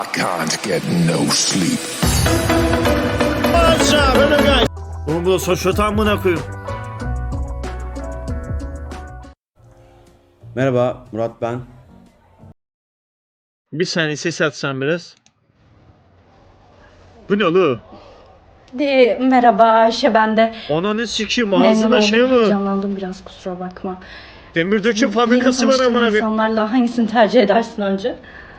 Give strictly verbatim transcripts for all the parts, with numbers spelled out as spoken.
I can't get no sleep. Oğlum bu da saçma amına koyayım. Merhaba Murat ben. Bir saniye ses atsan biraz. Bu ne oğlum? De, merhaba Ayşe, ben de Ananı sikeyim memnun ağzına oldum. şey mi? Canlandım biraz, kusura bakma. Demir döküm Yeni fabrikası var tanıştığın amına koyayım. insanlarla hangisini tercih edersin önce?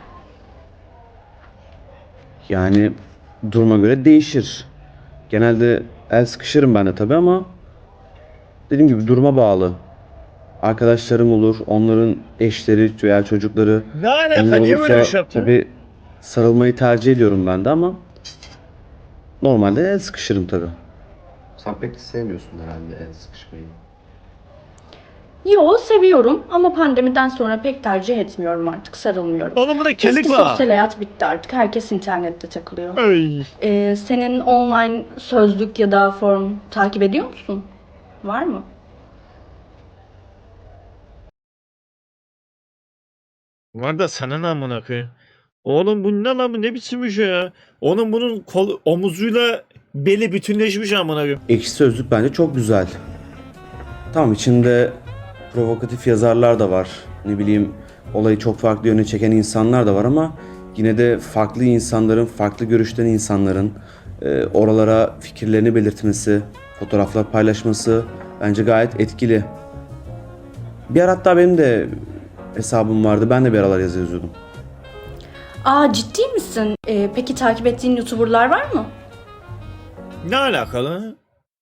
Yani duruma göre değişir. Genelde el sıkışırım ben de tabii ama dediğim gibi duruma bağlı. Arkadaşlarım olur, onların eşleri veya çocukları. Ne alaka, Onlar niye olursa böyle bir şey yaptın? tabii sarılmayı tercih ediyorum ben de ama normalde el sıkışırım tabii. Sen pek de sevmiyorsun herhalde el sıkışmayı. Yo, seviyorum ama pandemiden sonra pek tercih etmiyorum artık, sarılmıyorum. Oğlum bunda Eski kelik var. sosyal hayat bitti artık, herkes internette takılıyor. Ay. Ee, senin online sözlük ya da form takip ediyor musun? Var mı? Var da sana ne amına koyayım? Oğlum bu ne lan, bu ne biçim bir şey ya? Oğlum bunun kol, omuzuyla beli bütünleşmiş amına koyayım. Ekşi Sözlük bence çok güzel. Tamam, içinde provokatif yazarlar da var. Ne bileyim, olayı çok farklı yöne çeken insanlar da var ama yine de farklı insanların, farklı görüşten insanların e, oralara fikirlerini belirtmesi, fotoğraflar paylaşması bence gayet etkili. Bir ara hatta benim de hesabım vardı. Ben de bir aralar yazı yazıyordum. Aa, ciddi misin? Ee, peki takip ettiğin YouTuber'lar var mı? Ne alakalı?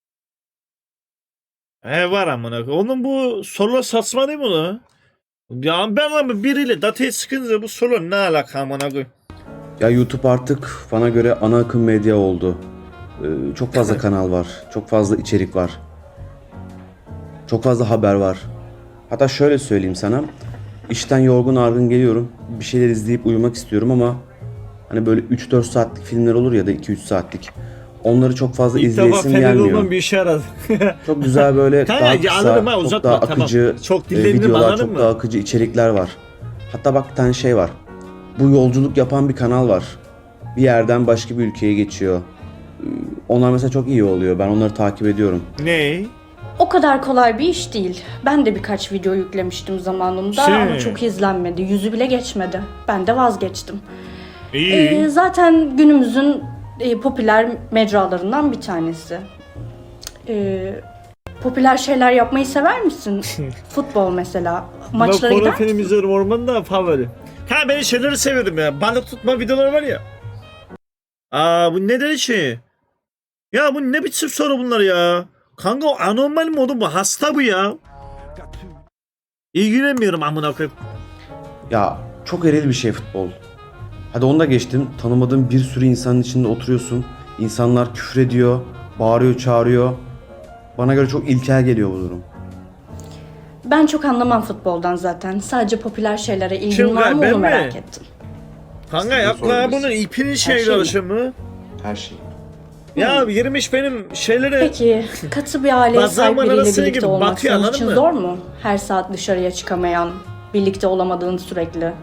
He var amına koyayım. Oğlum bu solo saçma değil mi lan? Ya ben ama biriyle datayı sıkınca bu solo ne alaka amına koyayım? Ya YouTube artık bana göre ana akım medya oldu. Ee, çok fazla kanal var. Çok fazla içerik var. Çok fazla haber var. Hatta şöyle söyleyeyim sana. İşten yorgun argın geliyorum. Bir şeyler izleyip uyumak istiyorum ama hani böyle üç dört saatlik filmler olur ya da iki üç saatlik. Onları çok fazla İlk defa izleyesim Fener gelmiyor. olmam bir işe yaradı. Çok güzel böyle Kanka, daha ya kısa, anladım ha, çok uzatma, daha tamam. akıcı Çok e, dinlendim, videolar, anladın çok mı? daha akıcı içerikler var. Hatta bak bir tane şey var. Bu yolculuk yapan bir kanal var. Bir yerden başka bir ülkeye geçiyor. Ee, Onlar mesela çok iyi oluyor. Ben onları takip ediyorum. Ne? O kadar kolay bir iş değil. Ben de birkaç video yüklemiştim zamanında Şey. ama çok izlenmedi. Yüzü bile geçmedi. Ben de vazgeçtim. İyi. Ee, zaten günümüzün e, popüler mecralarından bir tanesi. Ee, popüler şeyler yapmayı sever misin? Futbol mesela. Maçlara Ben gider porno film misin? izliyorum, ormanda favori. Ha, ben şeyleri seviyorum ya. Balık tutma videoları var ya. Aa, bu neden şey? Ya bu ne biçim soru bunlar ya? Kanka o anormal mi oğlum, bu hasta bu ya. İlgilenmiyorum amına koyayım. Ya çok eril bir şey futbol. Hadi onu da geçtim. Tanımadığın bir sürü insanın içinde oturuyorsun. İnsanlar küfür ediyor, bağırıyor, çağırıyor. Bana göre çok ilkel geliyor bu durum. Ben çok anlamam futboldan zaten. Sadece popüler şeylere ilgin Kim var mı ben onu mi? merak ettim. Kanka Sizin yapma sorunuz. bunun ipinin şey şeyle mi? alışımı. Her şey. Ya yirmiş benim şeylere... Peki katı bir aileye Bazı sahip zaman biriyle arasına birlikte gibi olmak batıyor, senin anladın için mı? zor mu? Her saat dışarıya çıkamayan, birlikte olamadığın sürekli.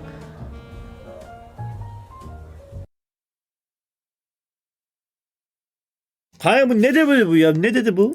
Kanka bu ne de böyle bu ya? Ne dedi bu?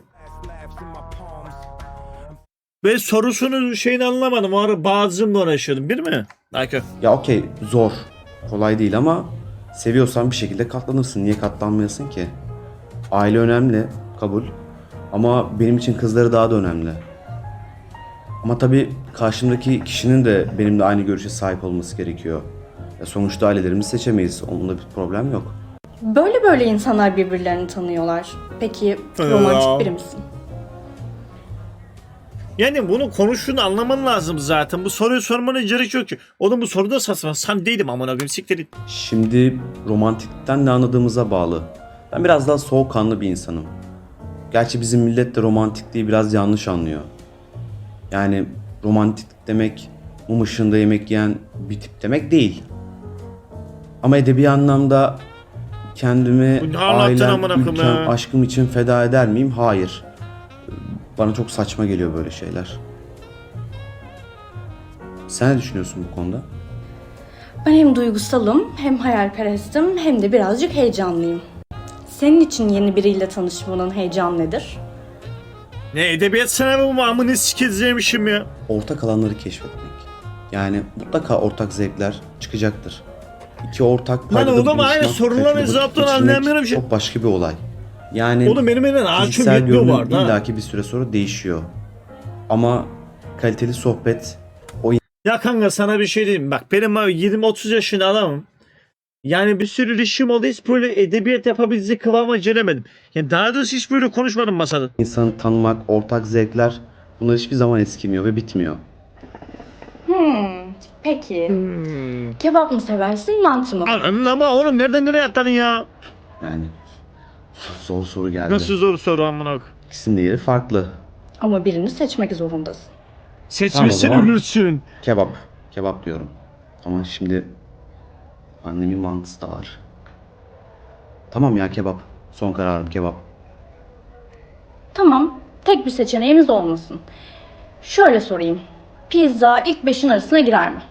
Ben sorusunu şeyini anlamadım. O ara bazımla uğraşıyordum. Bir mi? Kanka. Ya okey, zor. Kolay değil ama seviyorsan bir şekilde katlanırsın. Niye katlanmayasın ki? Aile önemli, kabul. Ama benim için kızları daha da önemli. Ama tabii karşımdaki kişinin de benimle aynı görüşe sahip olması gerekiyor. Ya sonuçta ailelerimizi seçemeyiz. Onda bir problem yok. Böyle böyle insanlar birbirlerini tanıyorlar. Peki romantik biri misin? Yani bunu konuştuğunu anlaman lazım zaten. Bu soruyu sormana gerek yok ki. Oğlum bu soruda saçma. Sen değilim amına koyayım. Siktir git. Şimdi romantikten ne anladığımıza bağlı. Ben biraz daha soğukkanlı bir insanım. Gerçi bizim millet de romantikliği biraz yanlış anlıyor. Yani romantik demek mum ışığında yemek yiyen bir tip demek değil. Ama edebi anlamda kendimi Bu ne anlattın ailem, amına koyayım ülkem, ya? aşkım için feda eder miyim? Hayır. Bana çok saçma geliyor böyle şeyler. Sen ne düşünüyorsun bu konuda? Ben hem duygusalım, hem hayalperestim, hem de birazcık heyecanlıyım. Senin için yeni biriyle tanışmanın heyecanı nedir? Ne edebiyat sınavı mı amını sikeceğimişim ya. Ortak alanları keşfetmek. Yani mutlaka ortak zevkler çıkacaktır. İki ortak Lan paydada oğlum buluşmak, aynı soruların kaliteli vakit cevaplarını geçirmek anlayamıyorum ki. çok başka bir olay. Yani Oğlum benim elinden ağaçım fiziksel yetmiyor görünüm vardı ha. illaki bir süre sonra değişiyor. Ama kaliteli sohbet Ya kanka sana bir şey diyeyim. Bak benim yirmi otuz yaşında adamım. Yani bir sürü ilişkim oldu. Hiç böyle edebiyat yapabilecek kıvama gelemedim. Yani daha doğrusu hiç böyle konuşmadım masada. insanı tanımak, ortak zevkler bunlar hiçbir zaman eskimiyor ve bitmiyor. Hmm, peki. Hmm. Kebap mı seversin, mantı mı? Anladın ama oğlum nereden nereye atladın ya? Yani zor soru geldi. Nasıl zor soru amına koyayım. İkisinin de yeri farklı. Ama birini seçmek zorundasın. Seçmişsin Tamam o zaman. ölürsün. Kebap. Kebap diyorum. Ama şimdi annemin mantısı da var. Tamam ya kebap. Son kararım kebap. Tamam, tek bir seçeneğimiz olmasın. Şöyle sorayım. Pizza ilk beşin arasına girer mi?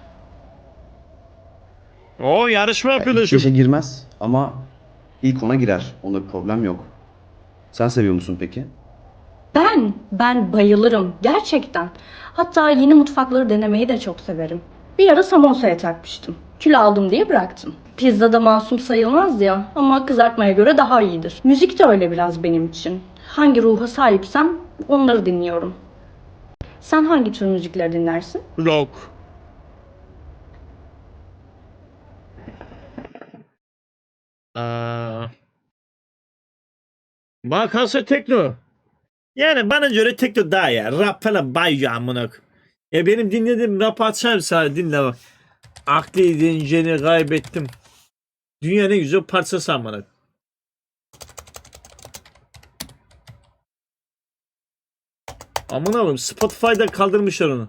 O yarışma yapıyorlar İlk şimdi. beşe girmez ama ilk ona girer. Onda bir problem yok. Sen seviyor musun peki? Ben, ben bayılırım gerçekten. Hatta yeni mutfakları denemeyi de çok severim. Bir ara samosaya takmıştım. Kilo aldım diye bıraktım. Pizza da masum sayılmaz ya ama kızartmaya göre daha iyidir. Müzik de öyle biraz benim için. Hangi ruha sahipsem onları dinliyorum. Sen hangi tür müzikleri dinlersin? Rock. Aa. Bana kalsa tekno. Yani bana göre tekno daha ya. Rap falan bayıyor amına koyayım. Ya benim dinlediğim rap açar sadece dinle bak. Akli dinceni kaybettim. Dünya ne güzel parçası amına koyayım. Amına koyayım Spotify'da kaldırmışlar onu.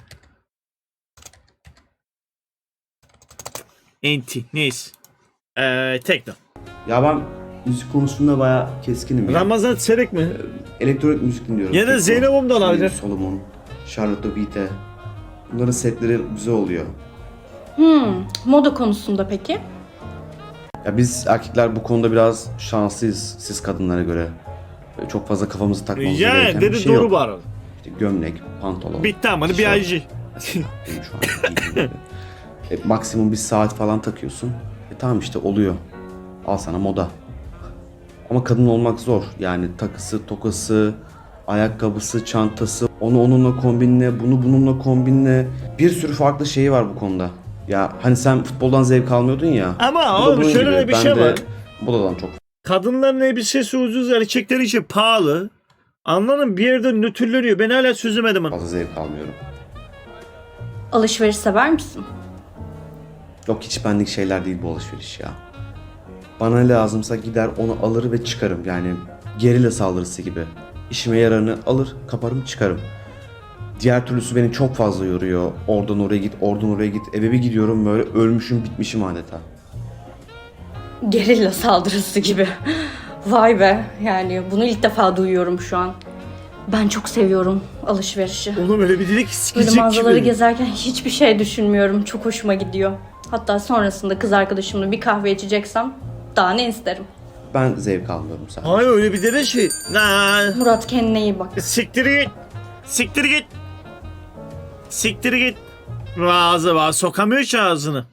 Enti neyse. Eee tekno. Ya ben müzik konusunda bayağı keskinim ya. Ramazan Çelik mi? Elektronik müzik dinliyorum. Ya da Tekno, Zeynep Hanım da olabilir. Zeynep Solomon, Charlotte Beat'e. Bunların setleri güzel oluyor. Hmm, moda konusunda peki? Ya biz erkekler bu konuda biraz şanslıyız siz kadınlara göre. Böyle çok fazla kafamızı takmamız Ya gereken bir dedi şey doğru yok. bu arada. İşte gömlek, pantolon. Bitti ama bir tişört. aycı. Benim şu an giydiğim gibi. E, maksimum bir saat falan takıyorsun. E tamam işte oluyor. Al sana moda. Ama kadın olmak zor. Yani takısı, tokası, ayakkabısı, çantası, onu onunla kombinle, bunu bununla kombinle. Bir sürü farklı şeyi var bu konuda. Ya hani sen futboldan zevk almıyordun ya. Ama bu da oğlum bunun şöyle gibi. de bir Ben şey de var. modadan çok Kadınların elbisesi ucuz, erkekler için pahalı. Anladın bir yerde nötrleniyor. Ben hala çözemedim onu. fazla zevk almıyorum. Alışveriş sever misin? Yok hiç benlik şeyler değil bu alışveriş ya. Bana ne lazımsa gider onu alır ve çıkarım. Yani gerilla saldırısı gibi. İşime yararını alır, kaparım, çıkarım. Diğer türlüsü beni çok fazla yoruyor. Oradan oraya git, oradan oraya git. Eve bir gidiyorum böyle ölmüşüm, bitmişim adeta. Gerilla saldırısı gibi. Vay be, yani bunu ilk defa duyuyorum şu an. Ben çok seviyorum alışverişi. Oğlum öyle bir dedik ki Böyle sikecek mağazaları gibi. gezerken hiçbir şey düşünmüyorum. Çok hoşuma gidiyor. Hatta sonrasında kız arkadaşımla bir kahve içeceksem daha ne isterim. Ben zevk almıyorum sadece. Hayır öyle bir dede şey. Nah. Murat kendine iyi bak. Siktir git. Siktir git. Siktir git. Ağzı var. Sokamıyor ki ağzını.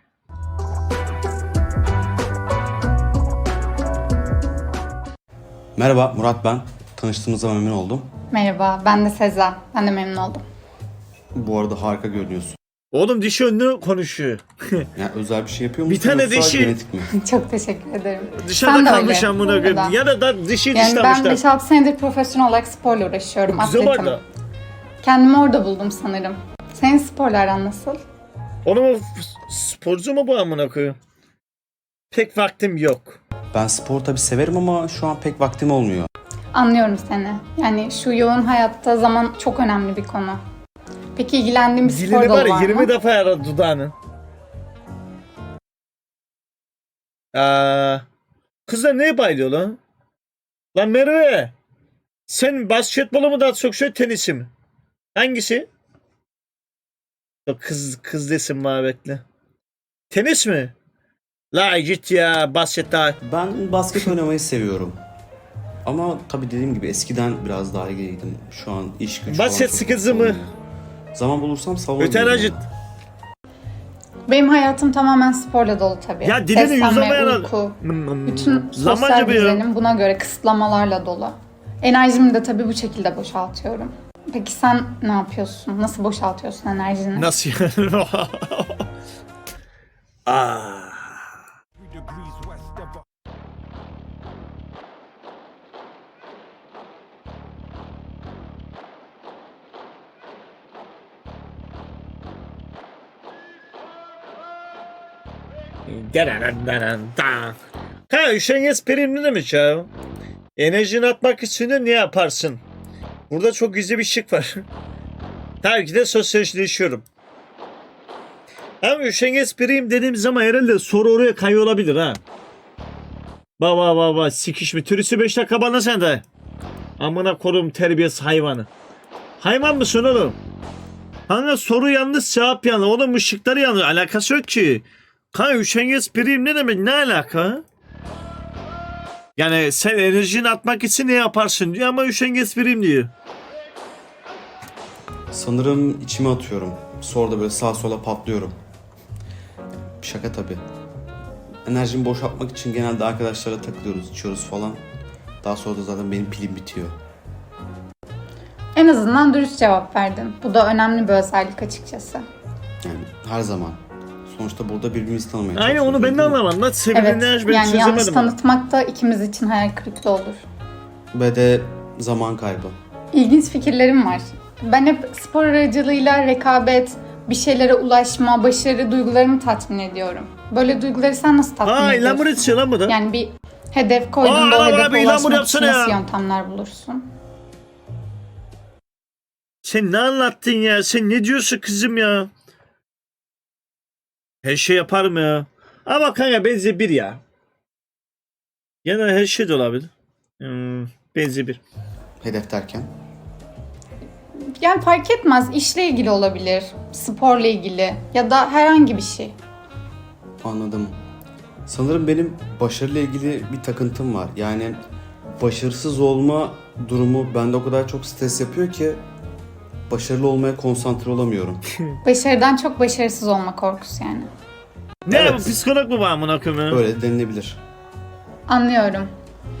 Merhaba Murat ben. Tanıştığımıza memnun oldum. Merhaba, ben de Sezen. Ben de memnun oldum. Bu arada harika görünüyorsun. Oğlum dişi önlü konuşuyor. Yani özel bir şey yapıyor Bir musun? tane yoksa dişi- genetik mi? Çok teşekkür ederim. Dışarıda Sen de kalmış öyle, amına bu koyayım. arada. Ya da da dişi Yani ben dişlemişler. beş altı senedir profesyonel olarak sporla uğraşıyorum. Güzel atletim. vardı. Kendimi orada buldum sanırım. Senin sporlardan nasıl? Oğlum sporcu mu bu amına koyayım? Pek vaktim yok. Ben spor tabii severim ama şu an pek vaktim olmuyor. Anlıyorum seni. Yani şu yoğun hayatta zaman çok önemli bir konu. Peki ilgilendiğin bir spor Dilini dalı var ya var yirmi mı? defa yaradı dudağını. Aa, kızlar neye bayılıyor lan? Lan Merve. Sen basketbolu mu daha çok şey tenisi mi? Hangisi? Yok, kız kız desin bana bekle. Tenis mi? La git ya basket daha. Ben basket oynamayı seviyorum. Ama tabii dediğim gibi eskiden biraz daha ilgiliydim. Şu an iş güç falan Basket çok sıkıntı mı? olmuyor. Zaman bulursam salona Öter gidiyorum acıt. ya. Benim hayatım tamamen sporla dolu tabii. Ya dilini Beslenme, yüzlamayan uyku, Hmm, bütün sosyal Lamancı bir ya. düzenim buna göre kısıtlamalarla dolu. Enerjimi de tabii bu şekilde boşaltıyorum. Peki sen ne yapıyorsun? Nasıl boşaltıyorsun enerjini? Nasıl yani? Aa. Ha, üşengeç prim ne demek ya? Enerjini atmak için de ne yaparsın? Burada çok güzel bir şık var. Tabii ki de sosyalleşiyorum. Ama üşengeç prim dediğim zaman herhalde soru oraya kayıyor olabilir ha. Ba ba ba ba sikiş mi? Türüsü beş dakika bana sen de. Amına korum terbiyesiz hayvanı. Hayvan mısın oğlum? Hangi soru yanlış cevap yanlış. Oğlum ışıkları yanlış. Alakası yok ki. Kanka üşengeç prim ne demek? Ne alaka? Yani sen enerjini atmak için ne yaparsın diyor ama üşengeç prim diyor. Sanırım içime atıyorum. Sonra da böyle sağa sola patlıyorum. Şaka tabii. Enerjimi boşaltmak için genelde arkadaşlarla takılıyoruz, içiyoruz falan. Daha sonra da zaten benim pilim bitiyor. En azından dürüst cevap verdin. Bu da önemli bir özellik açıkçası. Yani her zaman. Sonuçta burada birbirimizi tanımaya Aynen çalışıyoruz, onu ben de değil mi? anlamadım. Nasıl sebebi Evet, ne ben yani yanlış çözemedim. tanıtmak da ikimiz için hayal kırıklığı olur. Ve de zaman kaybı. İlginç fikirlerim var. Ben hep spor aracılığıyla rekabet, bir şeylere ulaşma, başarı duygularımı tatmin ediyorum. Böyle duyguları sen nasıl tatmin Aa ediyorsun? ilamur içiyor lan bu da. Yani bir hedef koyduğunda Aa, o abi, hedefe ilan bunu ulaşmak için yapsana nasıl ya. yöntemler bulursun? Sen ne anlattın ya? Sen ne diyorsun kızım ya? Her şey yaparım ya. Ama kanka benzi bir ya. Yani her şey de olabilir. Hmm, benzi bir. Hedef derken. Yani fark etmez. İşle ilgili olabilir, sporla ilgili ya da herhangi bir şey. Anladım. Sanırım benim başarıyla ilgili bir takıntım var. Yani başarısız olma durumu bende o kadar çok stres yapıyor ki başarılı olmaya konsantre olamıyorum. Başarıdan çok başarısız olma korkusu yani. Ne Evet. bu psikolog mu var amına koyayım ya? Öyle denilebilir. Anlıyorum.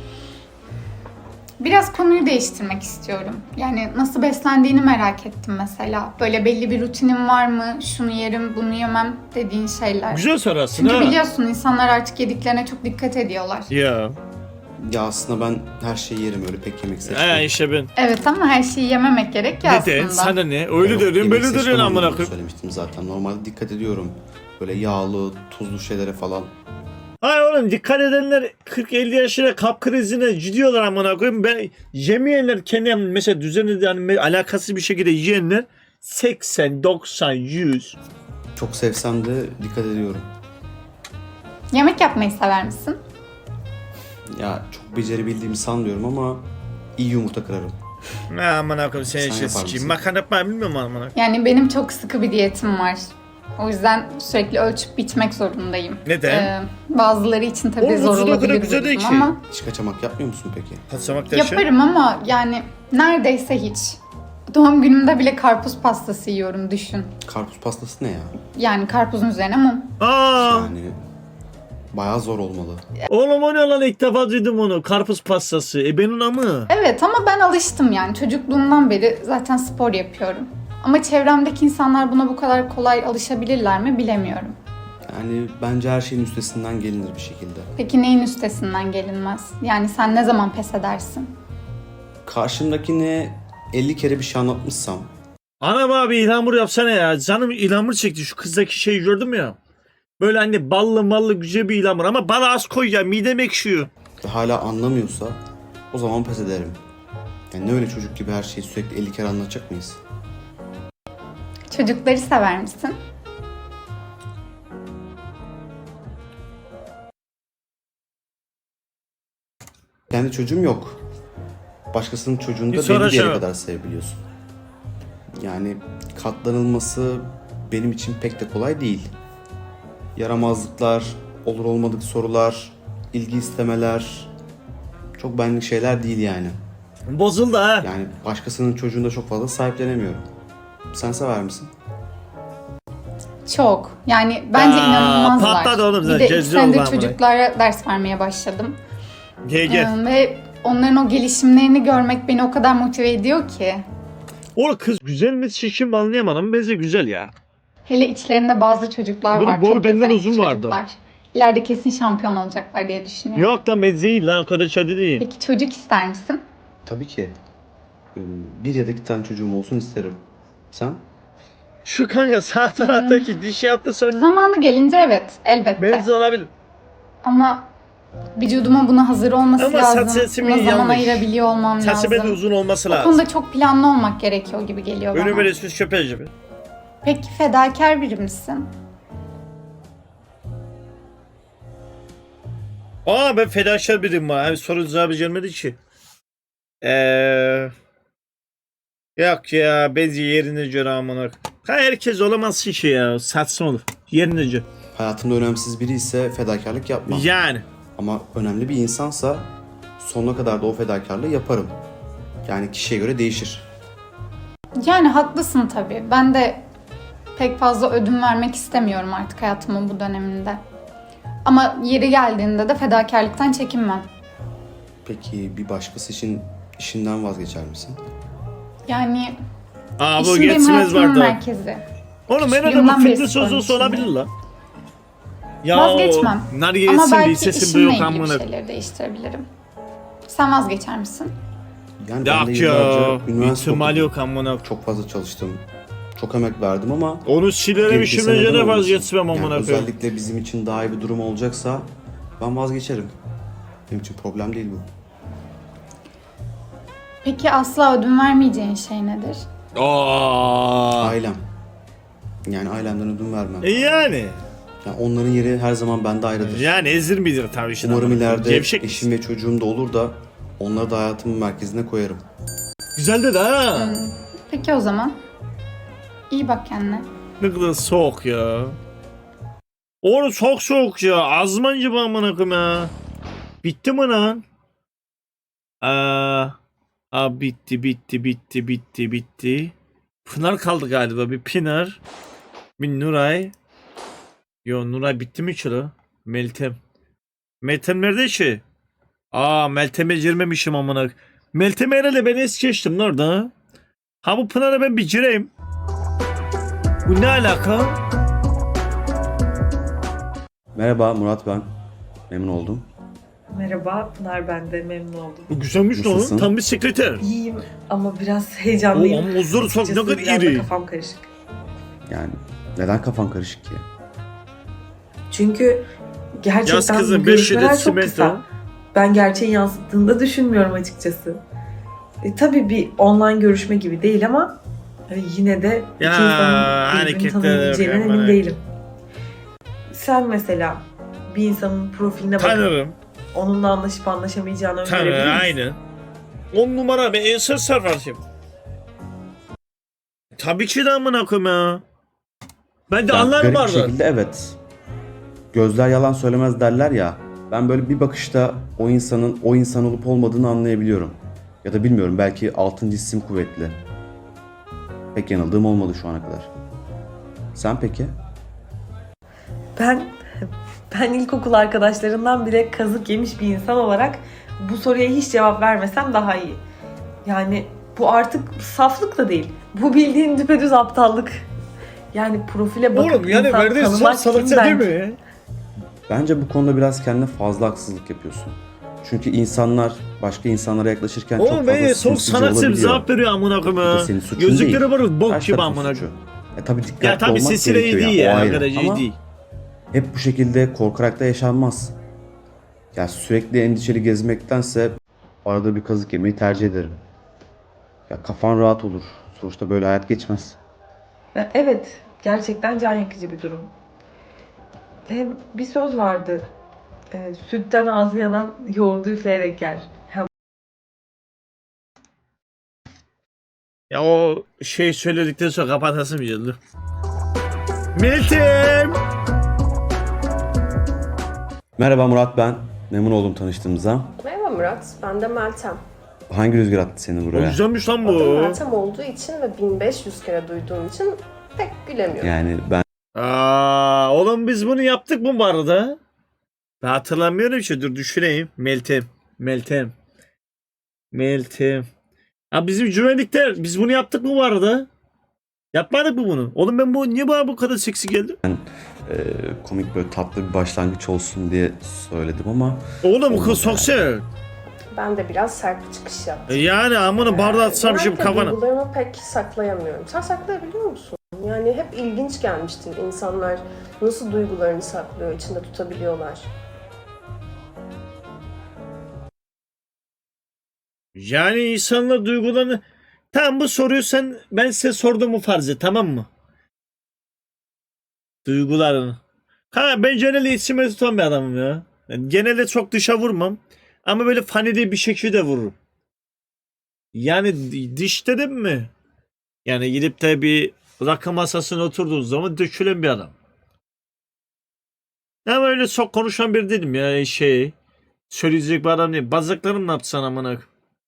Biraz konuyu değiştirmek istiyorum. Yani nasıl beslendiğini merak ettim mesela. Böyle belli bir rutinin var mı? Şunu yerim, bunu yemem dediğin şeyler. Güzel soru aslında. Çünkü ha. biliyorsun insanlar artık yediklerine çok dikkat ediyorlar. Ya. Ya aslında ben her şeyi yerim, öyle pek yemek seçmem. Ha işte ben. Evet ama her şeyi yememek gerek ya Ne aslında. de sana ne? Öyle Yok, derim yemek böyle seçmem derim amına anlamında koyayım. söylemiştim zaten. Normalde dikkat ediyorum. Böyle yağlı, tuzlu şeylere falan. Hayır oğlum dikkat edenler kırk elli yaşına kalp krizine gidiyorlar amına koyayım. Ben yemeyenler kendi mesela düzenli yani alakasız bir şekilde yiyenler seksen, doksan, yüz. Çok sevsem de dikkat ediyorum. Yemek yapmayı sever misin? Ya çok becerebildiğimi sanmıyorum ama iyi yumurta kırarım. Ne amına koyayım sen Sen işte yapar sikeyim. mısın? Makarna yapmayı bilmiyorum amına koyayım. Yani benim çok sıkı bir diyetim var. O yüzden sürekli ölçüp bitmek zorundayım. Neden? Ee, bazıları için tabii Oğlum, zor vücudu o kadar olabilir güzel bu değil durum ki. ama Hiç kaçamak yapmıyor musun peki? Kaçamak taşı. yaparım ama yani neredeyse hiç. Doğum günümde bile karpuz pastası yiyorum düşün. Karpuz pastası ne ya? Yani karpuzun üzerine mum. Aa, Yani bayağı zor olmalı. oğlum o ne lan ilk defa duydum onu. Karpuz pastası. E benim amı. Evet ama ben alıştım yani çocukluğumdan beri zaten spor yapıyorum. Ama çevremdeki insanlar buna bu kadar kolay alışabilirler mi bilemiyorum. Yani bence her şeyin üstesinden gelinir bir şekilde. Peki neyin üstesinden gelinmez? Yani sen ne zaman pes edersin? Karşımdakine elli kere bir şey anlatmışsam Ana abi ilhamur yapsana ya. Canım ilhamur çekti. Şu kızdaki şeyi gördüm ya. Böyle hani ballı mallı güzel bir ilhamur. Ama bana az koy ya. Midem ekşiyor. ve hala anlamıyorsa o zaman pes ederim. Yani ne öyle çocuk gibi her şeyi sürekli elli kere anlatacak mıyız? Çocukları sever misin? Kendi çocuğum yok. Başkasının çocuğunu Bir da sonra belli bir yere şey- kadar sevebiliyorsun. Yani katlanılması benim için pek de kolay değil. yaramazlıklar, olur olmadık sorular, ilgi istemeler çok benlik şeyler değil yani. Bozuldu ha. Yani başkasının çocuğunu da çok fazla sahiplenemiyorum. Sen sever misin? Çok. Yani bence Aa, inanılmazlar. patladı oğlum Bir zaten, de iki cezve senedir oldu ama. çocuklara ders vermeye başladım. Gel gel. Ee, ve onların o gelişimlerini görmek beni o kadar motive ediyor ki. O kız güzel mi şişim anlayamadım. Bence güzel ya. Hele içlerinde bazı çocuklar Böyle var. boyu çok benden yetenekli uzun vardı. çocuklar. İleride kesin şampiyon olacaklar diye düşünüyorum. Yok lan ben değil lan. O kadar şey değil. Peki çocuk ister misin? Tabii ki. Ee, Bir ya da iki tane çocuğum olsun isterim. Sen? Şu kanka sağ taraftaki diş yaptı sonra. Zamanı gelince evet, elbette. Benzi olabilir. Ama vücuduma buna hazır olması Ama saç lazım. sesimin Buna zaman yanlış. ayırabiliyor olmam Saçı lazım. de uzun olması O lazım. konuda çok planlı olmak gerekiyor gibi geliyor bana. Önü böyle süs köpeği gibi. Peki fedakar biri misin? Aa ben fedakar biriyim var. Abi soru cevabı gelmedi ki. Eee... Yok ya bence yerine göre amına. Ha herkes olamaz ki ya. Satsın olur. Yerine göre. Hayatımda önemsiz biri ise fedakarlık yapmam. Yani. Ama önemli bir insansa sonuna kadar da o fedakarlığı yaparım. Yani kişiye göre değişir. Yani haklısın tabii. Ben de pek fazla ödün vermek istemiyorum artık hayatımın bu döneminde. Ama yeri geldiğinde de fedakarlıktan çekinmem. Peki bir başkası için işinden vazgeçer misin? Yani Aa bu işim benim geçmez hayatımın vardı. merkezi. Oğlum ben Küçüklüğümden adamın beri fitness sporun sözü olabilir içindeyim. la. Ya Vazgeçmem. o nar Ama yesin belki bir sesim de işimle yok ilgili bir amına. şeyleri değiştirebilirim. Sen vazgeçer misin? Yani ben de Yok yıllarca ya. üniversite İhtimal okudum. yok amına. Çok fazla çalıştım. Çok emek verdim ama Onu silerim gerekirse işimle neden göre olmasın? vazgeçmem Yani amına koyayım. özellikle bizim için daha iyi bir durum olacaksa ben vazgeçerim. Benim için problem değil bu. Peki asla ödün vermeyeceğin şey nedir? Aa. Ailem. Yani ailemden ödün vermem. E yani. Yani onların yeri her zaman bende ayrıdır. Yani ezir midir tabii işte. Umarım amına koyayım. ileride Gevşek eşim ve çocuğum da olur da onları da hayatımın merkezine koyarım. Güzel dedi ha. Peki o zaman. İyi bak kendine. Ne kadar soğuk ya. Oğlum çok soğuk ya. Azman gibi amına koyayım ya. Bitti mi lan? Aa, aa bitti bitti bitti bitti bitti. Pınar kaldı galiba. Bir Pınar. Bir Nuray. Yo Nuray bitti mi ki la? Meltem. Meltem nerede ki? Aa Meltem'e girmemişim amına. Meltem herhalde ben es geçtim lan orada. Ha bu Pınar'a ben bir gireyim. Bu ne alaka? Merhaba Murat ben. Memnun oldum. Merhaba Pınar, ben de memnun oldum. Bu güzelmiş lan. Nasılsın? Tam bir sekreter. İyiyim ama biraz O heyecanlıyım. ama uzun çok ne Açıkçası kadar biraz da iri. kafam karışık. Yani neden kafan karışık ki? Çünkü gerçekten Yaz kızım, bu beş görüşmeler yedi çok simento. kısa. Ben gerçeği yansıttığını da düşünmüyorum açıkçası. E, tabii bir online görüşme gibi değil ama e, yine de iki Ya, insanın birbirini hareketler tanıyabileceğinden yapma, emin evet. değilim. Sen mesela bir insanın profiline bakıp Tanırım. onunla anlaşıp anlaşamayacağını öngörebilir Tanırım misin? aynı. On numara ben Ensar Sarfars'ım. Tabii ki de amına koyayım ya. Ben de Yani anlarım garip bir vardı. şekilde evet. Gözler yalan söylemez derler ya. Ben böyle bir bakışta o insanın o insan olup olmadığını anlayabiliyorum. Ya da bilmiyorum belki altıncı isim kuvvetli. Pek yanıldığım olmadı şu ana kadar. Sen peki? Ben ben ilkokul arkadaşlarından bile kazık yemiş bir insan olarak bu soruya hiç cevap vermesem daha iyi. Yani bu artık saflık da değil. Bu bildiğin düpedüz aptallık. Yani profile bakıp Oğlum yani insan verdiğin son tanımak kim salakça değil ben? mi? Bence bu konuda biraz kendine fazla haksızlık yapıyorsun. Çünkü insanlar başka insanlara yaklaşırken çok Oğlum fazla ben çok sinsice sanatçı olabiliyor. cevap veriyor amına Bu koyayım da ya. senin suçun Gözlükleri değil. var bok Karşı gibi tarafın amına suçu. koyayım. E tabii dikkatli Ya tabii olmak sesiyle iyi gerekiyor değil yani, o ya. ayrı. Arkadaş iyi Ama değil. hep bu şekilde korkarak da yaşanmaz. Ya sürekli endişeli gezmektense arada bir kazık yemeyi tercih ederim. Ya kafan rahat olur. Sonuçta böyle hayat geçmez. Evet, gerçekten can yakıcı bir durum. Hem bir söz vardı. E, sütten ağzı yanan yoğurdu üfleyerek yer. Ha, Ya o şey söyledikten sonra kapatasım geldi. Meltem! Merhaba Murat ben. Memnun oldum tanıştığımıza. Merhaba Murat, ben de Meltem. Hangi rüzgar attı seni O buraya? güzelmiş lan Adım bu. Meltem olduğu için ve bin beş yüz kere duyduğum için pek gülemiyorum. Yani ben Aa, oğlum biz bunu yaptık mı bu arada? Ben hatırlamıyorum ki. Dur düşüneyim. Meltem. Meltem. Meltem. Ha bizim güvenlikler. Biz bunu yaptık mı bu arada? Yapmadık mı bunu? Oğlum ben bu niye bana bu kadar seksi geldi? e, komik böyle tatlı bir başlangıç olsun diye söyledim ama Oğlum bu Olmadı kız çok yani. sert. Ben de biraz sert bir çıkış yaptım. E Yani amına bardağı atsam şimdi Genellikle kafana. duygularımı pek saklayamıyorum. Sen saklayabiliyor musun? Yani hep ilginç gelmiştir insanlar nasıl duygularını saklıyor, içinde tutabiliyorlar. Yani insanlar duygularını... Tamam bu soruyu sen ben size sorduğumu farz et tamam mı? Duygularını. Ha ben genelde içime tutan bir adamım ya. Yani genelde çok dışa vurmam. Ama böyle fanide bir şekilde vururum. Yani d- diş dedim mi? Yani gidip de bir rakı masasına oturduğun zaman dökülen bir adam. Ama öyle çok konuşan bir değilim ya şey. Söyleyecek bir adam değil. Bazıklarım ne yapsan amına.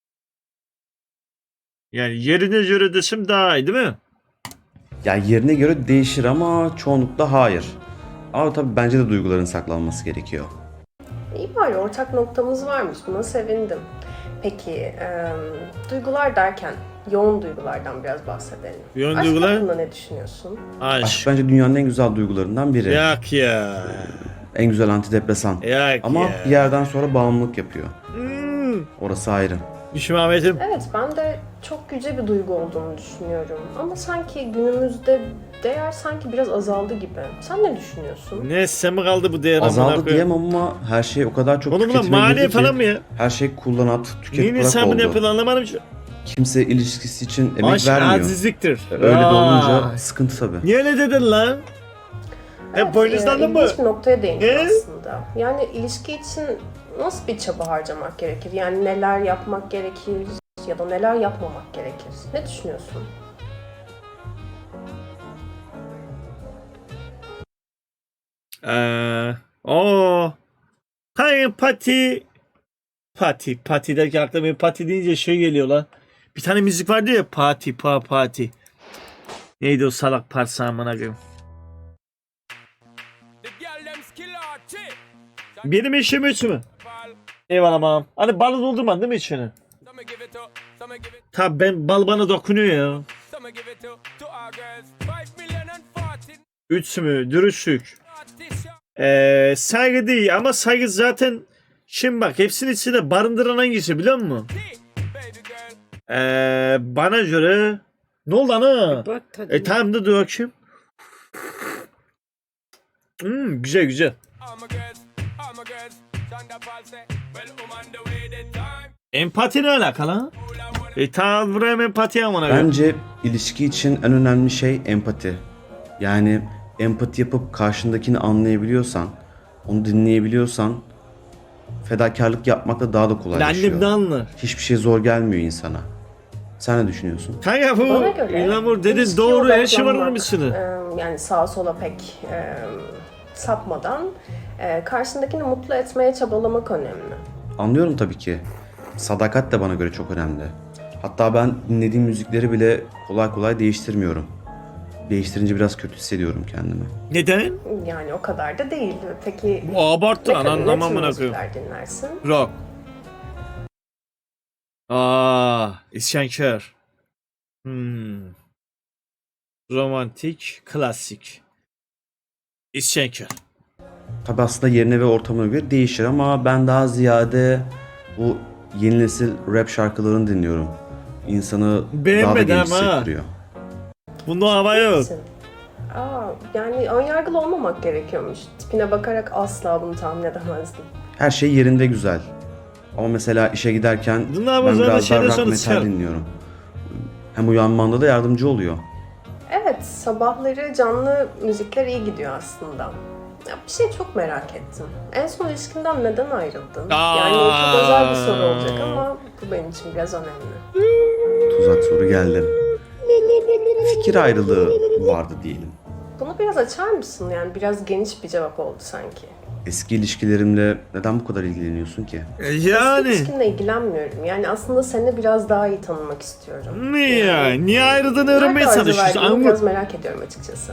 Yani yerine göre desem daha iyi değil mi? ya yerine göre değişir ama çoğunlukla hayır. Ama tabii bence de duyguların saklanması gerekiyor. İyi bari ortak noktamız varmış. Buna sevindim. Peki, e, duygular derken yoğun duygulardan biraz bahsedelim. Yoğun Aşk duygular? hakkında ne düşünüyorsun? Aşk Aşk. bence dünyanın en güzel duygularından biri. Yak ya. En güzel antidepresan. Yak Ama ya. bir yerden sonra bağımlılık yapıyor. Hmm. Orası ayrı. Düşün Ahmet'im. Evet, ben de çok yüce bir duygu olduğunu düşünüyorum. Ama sanki günümüzde değer sanki biraz azaldı gibi. Sen ne düşünüyorsun? Ne sen mi kaldı bu değer amına Azaldı koyayım? diyemem ama her şey o kadar çok Oğlum lan tüketime maliye girdi ki falan mı ya? her şey kullanat, tüket Neyin bırak hesabını oldu. yapın anlamadım ki. Kimse ilişkisi için emek Aşk vermiyor. azizliktir. Öyle de Vay. olunca sıkıntı tabii. Niye öyle dedin lan? Hep boynuzlandın mı? ilginç bir noktaya değindin Ne? aslında. Yani ilişki için nasıl bir çaba harcamak gerekir? Yani neler yapmak gerekir ya da neler yapmamak gerekir? Ne düşünüyorsun? Eee o Kanka pati Pati Pati derken aklıma bir pati deyince şey geliyor lan. Bir tane müzik vardı ya pati pa pati. Neydi o salak parça amına koyayım. Benim eşim üç mü? Eyvallah amam. Hani balı doldurman değil mi içine? Tabi ben bal bana dokunuyor ya. Üç mü? Dürüstlük. Ee, saygı değil ama saygı zaten şimdi bak hepsinin içinde barındıran hangisi biliyor musun? Ee, bana göre ne oldu ana? E tamam da dur bakayım. Hmm, güzel güzel. Empati ne alakalı? E tamam buraya empati amına koyayım. Bence ilişki için en önemli şey empati. Yani empati yapıp karşındakini anlayabiliyorsan, onu dinleyebiliyorsan fedakarlık yapmak da daha da kolaylaşıyor. Annem de anlar. Hiçbir şey zor gelmiyor insana. Sen ne düşünüyorsun? Kanka bu Bana göre İlhamur dedin ilişkiye doğru her şey var odaklanmak, onun içinde. e, yani sağa sola pek e, sapmadan e, karşındakini mutlu etmeye çabalamak önemli. Anlıyorum tabii ki. Sadakat de bana göre çok önemli. Hatta ben dinlediğim müzikleri bile kolay kolay değiştirmiyorum. Değiştirince biraz kötü hissediyorum kendimi. Neden? Yani o kadar da değil. Peki Bu abarttı ne, lan ne anlamam tür buna koyayım. müzikler dinlersin? Rock. Aa, isyankar. Hmm. Romantik, klasik. İsyankar. Tabii aslında yerine ve ortamına göre değişir ama ben daha ziyade bu yeni nesil rap şarkılarını dinliyorum. İnsanı daha da Beğenmedim genç ha. hissettiriyor. Bunda hava yok. Misin? Aa, yani önyargılı olmamak gerekiyormuş. Tipine bakarak asla bunu tahmin edemezdim. Her şey yerinde güzel. Ama mesela işe giderken Bunlar ben bazen biraz daha şeyden rock sonra metal çıkar. dinliyorum. Hem uyanmanda da yardımcı oluyor. Evet, sabahları canlı müzikler iyi gidiyor aslında. Ya bir şey çok merak ettim. En son ilişkinden neden ayrıldın? Aa. Yani çok özel bir soru olacak ama bu benim için biraz önemli. Tuzak soru geldi. Fikir ayrılığı vardı diyelim. Bunu biraz açar mısın? Yani biraz geniş bir cevap oldu sanki. Eski ilişkilerimle neden bu kadar ilgileniyorsun ki? E, Eski Yani. ilişkimle ilgilenmiyorum. Yani aslında seni biraz daha iyi tanımak istiyorum. Niye ya? Niye ayrıldığını Nerede öğrenmeye arzu çalışıyorsun? verdiğini biraz Anlat. merak ediyorum açıkçası.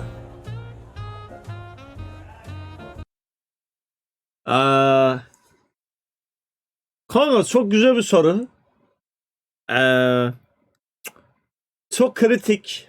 Aa, kanka çok güzel bir soru. Ee, çok kritik.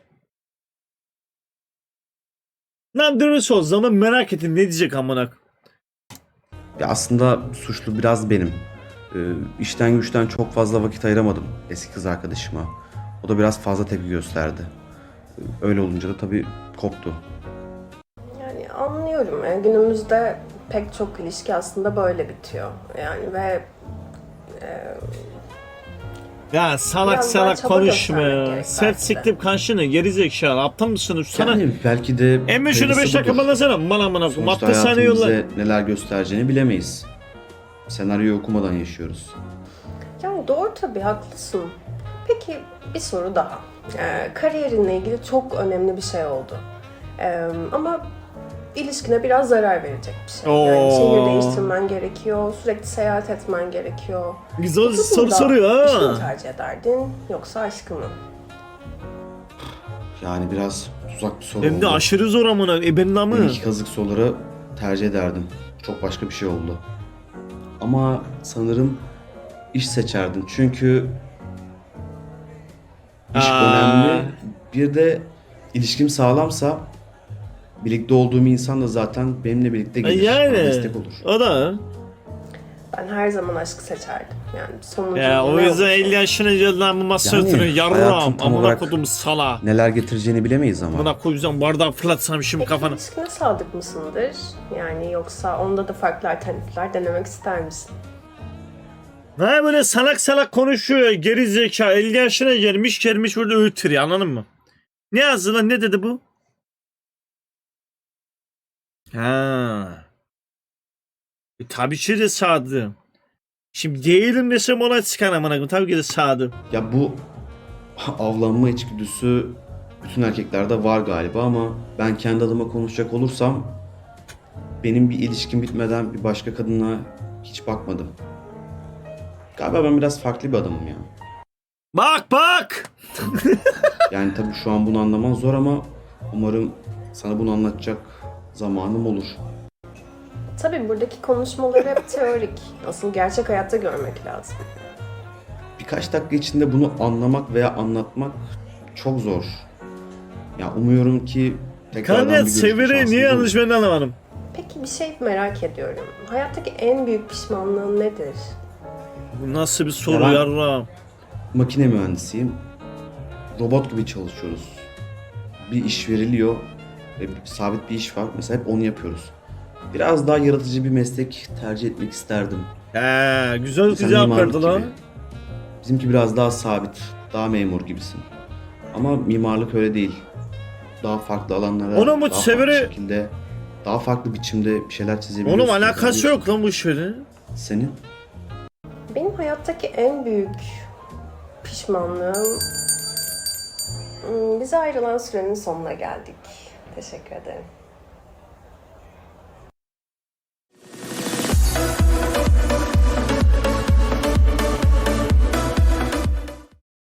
Lan dürüst ol zaman merak ettim ne diyecek amına. Ya aslında suçlu biraz benim. Ee, işten güçten çok fazla vakit ayıramadım eski kız arkadaşıma. O da biraz fazla tepki gösterdi. Ee, Öyle olunca da tabii koptu. Yani anlıyorum. Yani günümüzde pek çok ilişki aslında böyle bitiyor. Yani ve e, Ya salak Biraz daha salak çaba konuşma göstermek ya. gerek Sert belki de. siktim kanşını geri zekalı aptal mısın sana? Yani belki de Emmi şunu hayırlısı beş dakika budur. bağlasana. Bana amına koyayım. Sonuçta Attı saniye hayatın yolla. bize neler göstereceğini bilemeyiz. Senaryoyu okumadan yaşıyoruz. yani doğru tabii haklısın. Peki bir soru daha. Ee, kariyerinle ilgili çok önemli bir şey oldu. Ee, ama ilişkine biraz zarar verecek bir şey. Yani Oo. şehir değiştirmen gerekiyor, sürekli seyahat etmen gerekiyor. Güzel Bu soru durumda soruyor işini mi ha. tercih ederdin yoksa aşkı mı? Yani biraz tuzak bir soru Hem de oldu. aşırı zor amına. E benim Ben namı. iki kazık soruları tercih ederdim. Çok başka bir şey oldu. Ama sanırım iş seçerdim. Çünkü iş Aa. önemli. Bir de ilişkim sağlamsa birlikte olduğum insan da zaten benimle birlikte gelir. Bana Yani. destek olur. O da. Ben her zaman aşkı seçerdim. Yani sonucu Ya o ne yüzden olursa elli yaşına geldiğinden bu masaya Yani oturuyor. hayatın Yarram. tam Amına olarak- kodum sala. Neler getireceğini bilemeyiz ama. Amına koyacağım bardağı fırlatsam şimdi Peki kafana. ilişkine sadık mısındır? Yani yoksa onda da farklı alternatifler denemek ister misin? Ha böyle salak salak konuşuyor. Geri zeka. elli yaşına gelmiş gelmiş burada öğütür anladın mı? Ne yazdı lan ne dedi bu? Ha. E, tabii ki de sağdı. Şimdi değilim desem ona çıkan amına koyayım. Tabii ki de sağdı. Ya bu avlanma içgüdüsü bütün erkeklerde var galiba ama ben kendi adıma konuşacak olursam benim bir ilişkim bitmeden bir başka kadına hiç bakmadım. Galiba ben biraz farklı bir adamım ya. Bak bak. Yani tabii şu an bunu anlaman zor ama umarım sana bunu anlatacak zamanım olur. Tabii buradaki konuşmalar hep teorik. Asıl gerçek hayatta görmek lazım. Birkaç dakika içinde bunu anlamak veya anlatmak çok zor. Ya umuyorum ki tekrardan bir Kanka görüşme Sever'i şansımız niye olur. yanlış ben de anlamadım. Peki bir şey merak ediyorum. Hayattaki en büyük pişmanlığın nedir? Bu nasıl bir soru Ya ben- yarram? Makine mühendisiyim. Robot gibi çalışıyoruz. Bir iş veriliyor ve bir- sabit bir iş var. Mesela hep onu yapıyoruz. Biraz daha yaratıcı bir meslek tercih etmek isterdim. He güzel Mesela cevap mimarlık verdi lan. gibi. Bizimki biraz daha sabit, daha memur gibisin. Ama mimarlık öyle değil. Daha farklı alanlara, Onun bu daha Sever'i- farklı şekilde, daha farklı biçimde bir şeyler çizebiliyorsun. Onun alakası yazabiliyorsun. yok lan bu işlerin. Senin? Benim hayattaki en büyük pişmanlığım... Hmm, Bize ayrılan sürenin sonuna geldik. Teşekkür ederim.